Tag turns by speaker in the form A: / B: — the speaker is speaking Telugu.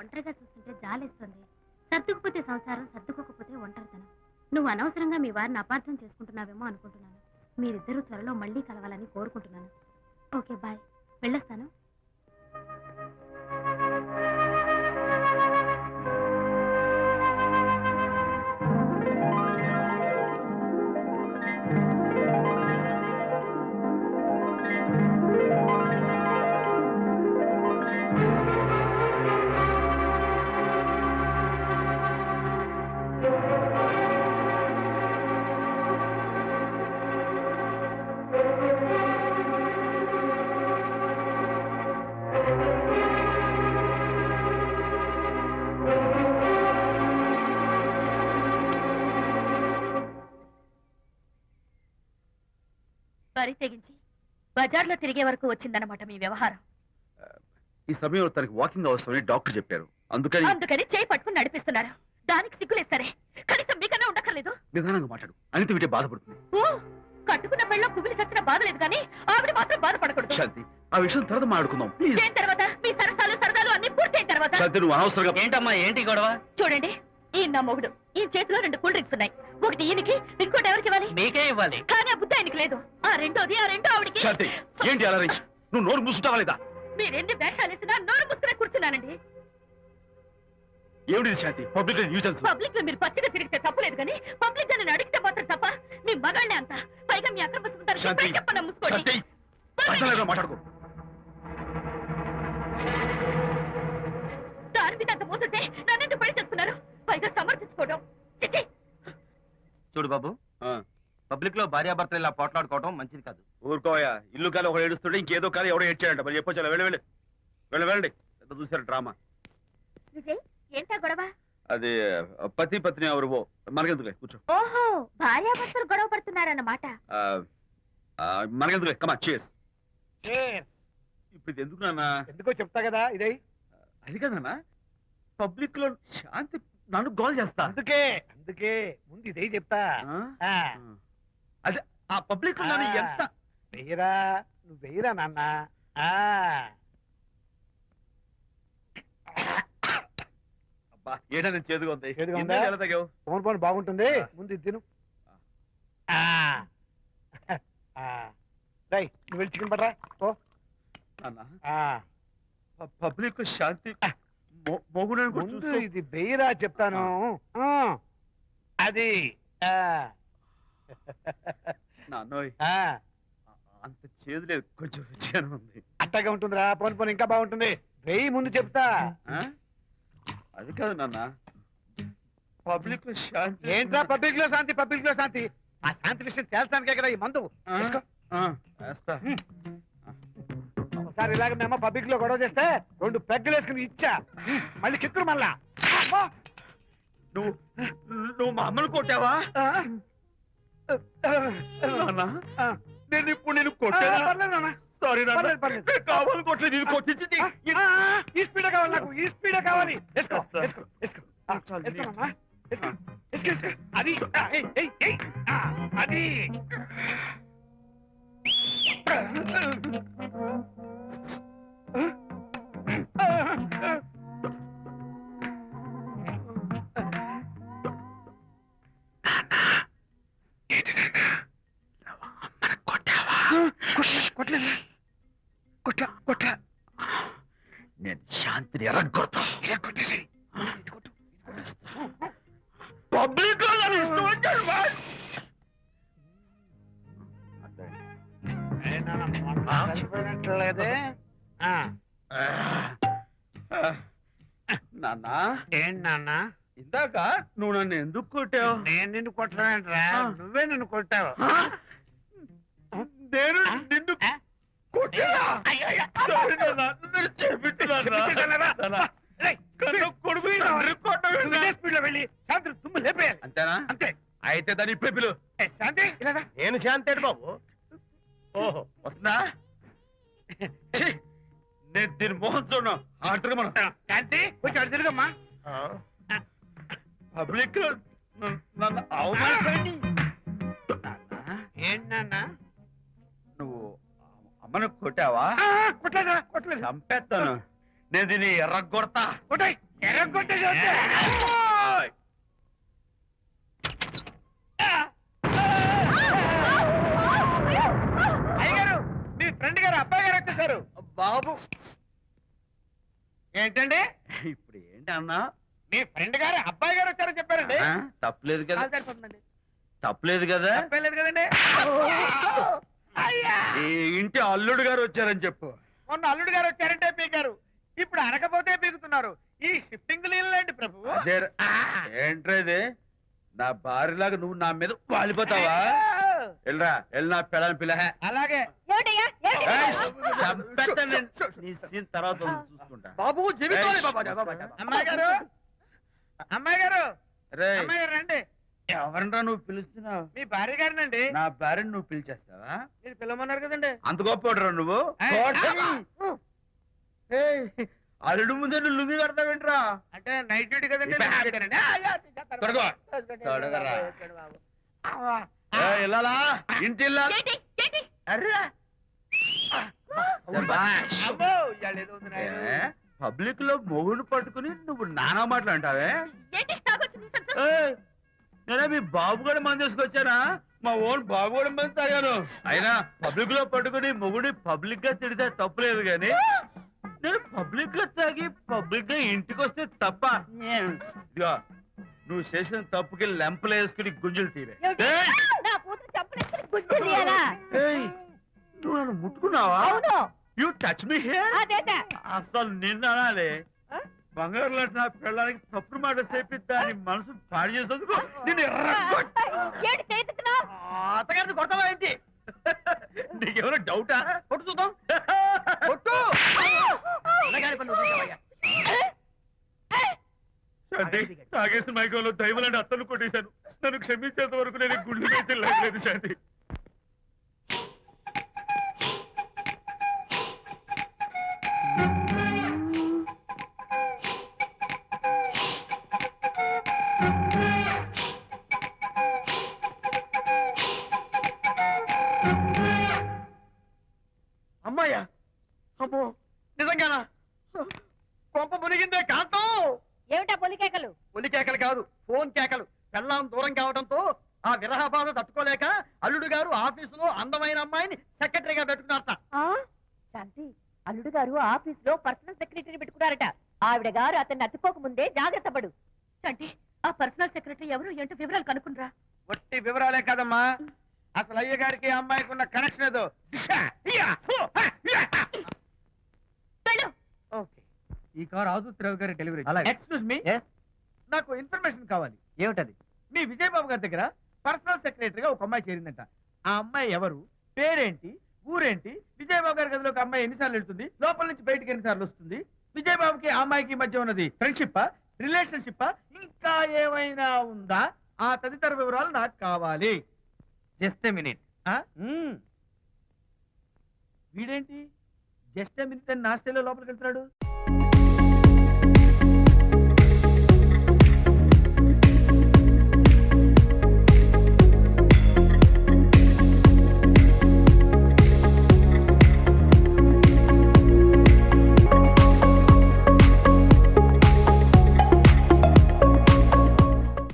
A: ఒంటరిగా చూస్తుంటే జాలేస్తుంది. సర్దుకుపోతే సంసారం, సర్దుకోకపోతే ఒంటరితనం. నువ్వు అనవసరంగా మీ వారిని అపార్థం చేసుకుంటున్నావేమో అనుకుంటున్నాను. మీరిద్దరూ త్వరలో మళ్ళీ కలవాలని కోరుకుంటున్నాను. Okay, bye. వెళ్ళొస్తాను.
B: వరి తెగించి బజార్లో తిరిగే వరకు వచ్చిందన్నమాట మీ వ్యవహారం.
C: ఈ సమయంలో తనకి వాకింగ్ అవసరమని డాక్టర్ చెప్పారు. అందుకని
B: చేయి పట్టుకుని నడిపిస్తున్నారు. దానికి సిగ్గులేదు సరే, కనీసం మీకన్నా ఉండక్కర్లేదు.
C: నిదానంగా మాట్లాడు. అనిత వింటే బాధపడుతుంది.
B: ఓ, కట్టుకున్న పెళ్ళలో కుమిలి చచ్చిన బాధ లేదు కానీ ఆవిడ మాత్రం బాధపడకూడదు.
C: శాంతి, ఆ విషయం తర్వాత మాట్లాడుకుందాం ప్లీజ్.
B: దేని తర్వాత? మీ సరసాలు అన్ని పూర్తయిన తర్వాత.
C: శాంతి, నువ్వు అనవసరంగా.
D: ఏంటమ్మా, ఏంటి గొడవ?
B: చూడండి, ఈ నా మొగుడు, ఈ చేతిలో 2 కూల్ డ్రింక్స్ ఉన్నాయి. ఒకటి ఈయనకి, ఇంకోటి ఎవరికి ఇవ్వాలి?
D: మీకే ఇవ్వాలి.
B: కానీ ఆ బుద్ధి ఆయనకి లేదు. ఆ రెండో ఆవిడకి.
C: శాంతి, ఏంటి అలా నువ్వు నోరు మూసుకుంటావా లేదా?
B: మీరెన్ని వేషాలు వేసినా నోరు ముసుకునే కూర్చున్నానండి.
C: ఏమిటి శాంతి? Public nuisance.
B: పబ్లిక్ లో మీరు పచ్చిగా తిరిగితే తప్పలేదు కానీ పబ్లిక్ నన్ను అడిగితే మాత్రం తప్ప. మీ మగాళ్ళే అంత. పైగా మీ అక్రమ
C: శాంతి,
B: చెప్పన్నా ముసుకోండి.
C: మాట్లాడుకో.
B: దాని మీద అంత మోసంటే నన్నెందుకు పడి చేస్తున్నారు? పైగా సమర్థించుకోవడం. చిచ్చి.
D: చూడు బాబు, పబ్లిక్ లో భార్యాభర్తలు ఇలా పోట్లాడుకోవడం మంచిది కాదు.
C: ఊరుకోయా. ఇల్లు కాదు ఒకడు ఏడుస్తుంటే ఇంకేదో కాదు ఎవడో ఏడ్చాడంట. మరి చెప్పొచ్చు. వెళ్ళండి. ఎంత చూసారు డ్రామా.
A: విజయ్, ఏంటా గొడవ?
C: అది పతి పత్ని ఎవరు మనకెందుకులే, కూర్చో.
A: ఓహో, భార్యాభర్తలు గొడవ పడుతున్నారన్నమాట.
C: మనకెందుకులే, కమా చేస్. ఇప్పుడు ఇది ఎందుకు నాన్న?
E: ఎందుకో చెప్తా కదా. ఇదే
C: అది కదన్నా, పబ్లిక్ లో శాంతి నన్ను గోల్ చేస్తా.
E: అందుకే ముందు ఇదే చెప్తా.
C: అదే ఆ పబ్లిక్ లో నన్ను ఎంత
E: వెయ్యరా, నువ్వు వెయ్యరా నాన్న.
C: అబ్బా, ఏడా నేను చేదుగా ఉంది.
E: ఎలా తగ్గావు? పోను బాగుంటుంది. ముందు ఇది తిను. నువ్వు వెళ్ళి చికెన్ పడరా. ఓ
C: పబ్లిక్ శాంతి
E: ముందు ఇది వెయ్యరా చెప్తాను. అది
C: నాన్నోయ్, అంత చేదు లేదు, కొంచెం రుచిగానే ఉంది.
E: అట్టగా ఉంటుందిరా. పోను ఇంకా బాగుంటుంది. వెయ్యి ముందు చెప్తా.
C: అది కాదు నాన్న, పబ్లిక్ లో శాంతి.
E: ఏంట్రా పబ్లిక్ లో శాంతి? ఆ శాంతి విషయం తేల్చడానికే కదా ఈ మందు. ఒకసారి ఇలాగ మేము పబ్లిక్ లో గొడవ చేస్తే 2 పెగ్గలు వేసుకుని ఇచ్చా. మళ్ళీ కిక్కురు మళ్ళా.
C: నువ్వు మా అమ్మను కొట్టావా? నేను ఇప్పుడు నేను కొట్టా. సారీ కావాలి, కొట్టలేదు. ఇది కొట్టించింది.
E: ఈ స్పీడ్ కావాలి నాకు. ఈ స్పీడ్ కావాలి. అది అది కొట్లా.
C: నేను శాంతిని ఎరగొడతా. పబ్లిక్
E: చనిపోయినట్లేదే.
C: నాన్న,
E: ఏంటి నాన్న?
C: ఇందాక నువ్వు నన్ను ఎందుకు కొట్టావు?
E: నేను నిన్ను కొట్టలేంట్రా, నువ్వే నిన్ను కొట్టావు.
C: నేను నిన్ను కొట్టా. అంతేనా?
E: అంతే.
C: అయితే దాని ఇప్పుడే పిలు.
E: శాంతి,
C: నేను శాంతి బాబు. ఓహో, వస్తుందా? నేను దీని మోహన్ చూడను. ఆటగా మనం
E: శాంతి కొంచెం అటు తిరుగమ్మా.
C: పబ్లిక్ నన్ను అవమానించండి.
E: ఏంటి నాన్న?
C: నువ్వు అమ్మను కొట్టావా?
E: కొట్టలేదు.
C: చంపేస్తాను. నేను దీన్ని ఎర్రగొడతా.
E: ఎర్రగొట్టేసి వస్తే. అయ్యగారు మీ ఫ్రెండ్ గారు అబ్బాయి గారు వచ్చేసారు.
C: బాబు
E: ఏంటండి
C: ఇప్పుడు ఏంటి అన్నా
E: మీ ఫ్రెండ్ గారు అబ్బాయి గారు వచ్చారని చెప్పారండి.
C: తప్పలేదు కదా,
E: సరిపోతుందండి.
C: తప్పలేదు కదా.
E: తప్పలేదు కదండి. అయ్యా
C: ఈ ఇంటి అల్లుడు గారు వచ్చారని చెప్పు.
E: మొన్న అల్లుడు గారు వచ్చారంటే పీకారు, ఇప్పుడు అనకపోతే పీకుతున్నారు. ఈ షిఫ్టింగ్ లీలండి ప్రభు.
C: అదే ఏంట్రా ఇది, నా భార్యలాగా నువ్వు నా మీద వాలిపోతావా? వెళ్ళరా, వెళ్ళి నా పెళ్ళని పిల్ల.
E: అలాగే
B: ఏమిటయ్యా
C: తర్వాత చూసుకుంటా.
E: బాబు
C: జీవితాలే
E: అమ్మాయి గారు, అమ్మాయి గారు,
C: రేయ్,
E: అమ్మాయి గారు రండి.
C: ఎవరినరా నువ్వు పిలుస్తున్నావు?
E: మీ భార్య గారినండి.
C: నా భార్యను నువ్వు పిలిచేస్తావా?
E: మీరు పిల్లమన్నారు కదండి.
C: అంత గొప్ప నువ్వు? ఏయ్, అల్లుడు ముందే నువ్వు లుంగి కడతావేంట్రా?
E: అంటే నైట్ డ్యూటీ కదండి.
C: ఇప్పుడు
E: night duty నండి. అయ్యా, తీసేస్తారు.
C: తొడగో.
E: తొడగండి.
C: తొడగరా.
E: తొడగండి బాబు. అవ్వా.
C: ఏయ్, ఇల్లాలా, ఇంటి ఇల్లాలా?
B: ఏంటి ఏంటి
C: అర్రా. శభాష్.
E: అబ్బో, ఇవాళ ఏదో ఉంది నాయనా.
C: పబ్లిక్ లో మొగుడు పట్టుకుని నువ్వు నానా మాటలు అంటావే?
B: ఏంటి తాగొచ్చింది సంతోషం.
C: ఏయ్, నేనే మీ బాబు కూడా మంది తీసుకొచ్చానా? మా ఓన్ బాబు కూడా మంది తాగాను. అయినా పబ్లిక్ లో పట్టుకుని మొగుడి పబ్లిక్ గా తిడితే తప్పులేదు గాని నేను పబ్లిక్ గా తాగి పబ్లిక్ గా ఇంటికి వస్తే తప్ప. ఇదిగో, నువ్వు చేసిన తప్పుకి లెంపలు వేసుకుని గుంజులు తీరే.
B: ఏమిటి?
C: ఏయ్,
B: నా కూతురు చంపలేసుకుని గుజ్జు తీయాలా?
C: ఏయ్, నువ్వు నన్ను ముట్టుకున్నావా?
B: అవును
C: యు టచ్ మీ హియర్.
B: అదేట
C: అసలు నిన్న అనాలి. బంగారు లాంటి నా పిల్లలకి తప్పుడు మాట చెప్పి దాని మనసు పాడు చేసేందుకు నేను
B: ఏంటి చేతుకున్నావు?
C: అత్తగారిని కొడతావా ఏంటి? నీకేమైనా డౌటా? కొట్టు చూద్దాం. కొట్టు. శాంతి, తాగేసిన మైకంలో దైవం లాంటి అత్తను కొట్టేశాను. నన్ను క్షమించేంత వరకు నేను ఈ గుళ్ళు వేసి లేదు శాంతి. అమ్మాయ్యా, అమ్మో, నిజంగానా? కొంప మునిగిందే కాంతం.
B: ఏమిటా పొలికేకలు?
E: ఒలి కేకలు కాదు, ఫోన్ కేకలు. పెళ్ళాం దూరం కావడంతో ఆ విరహ బాధ తట్టుకోలేక అల్లుడు గారు ఆఫీసులో అందమైన అమ్మాయిని సెక్రటరీగా పెట్టుకున్నారట.
B: శాంతి, అల్లుడు గారు ఆఫీస్ లో పర్సనల్ సెక్రటరీ పెట్టుకున్నారట. ఆవిడ గారు అతన్ని అతుక్కోక ముందే జాగ్రత్త పడు. శాంతి, ఆ పర్సనల్ సెక్రటరీ ఎవరు ఏంటో వివరాలు కనుక్కుండ్రా.
E: వట్టి వివరాలే కదమ్మా, అసలు అయ్య గారికి ఆ అమ్మాయికి ఉన్న కనెక్షన్ ఏదో.
B: వెళ్ళు.
E: ఓకే, ఈ కార్ ఆదుత్రావు గారి డెలివరీ. ఎక్స్క్యూజ్ మీ, నాకు ఇన్ఫర్మేషన్ కావాలి. ఏమిటది? మీ విజయబాబు గారి దగ్గర పర్సనల్ సెక్రటరీగా ఒక అమ్మాయి చేరిందంట. ఆ అమ్మాయి ఎవరు, పేరేంటి, ఊరేంటి, విజయబాబు గారి గదిలో ఒక అమ్మాయి ఎన్నిసార్లు వెళ్తుంది, లోపల నుంచి బయటికి ఎన్నిసార్లు వస్తుంది, విజయబాబుకి ఆ అమ్మాయికి మధ్య ఉన్నది ఫ్రెండ్షిప్, రిలేషన్షిప్, ఇంకా ఏమైనా ఉందా? ఆ తదితర వివరాలు నాకు కావాలి. Just a minute. వీడేంటి జస్ట్ ఏ మినిట్ అని నా స్టైల్లో లోపలికి వెళ్తున్నాడు?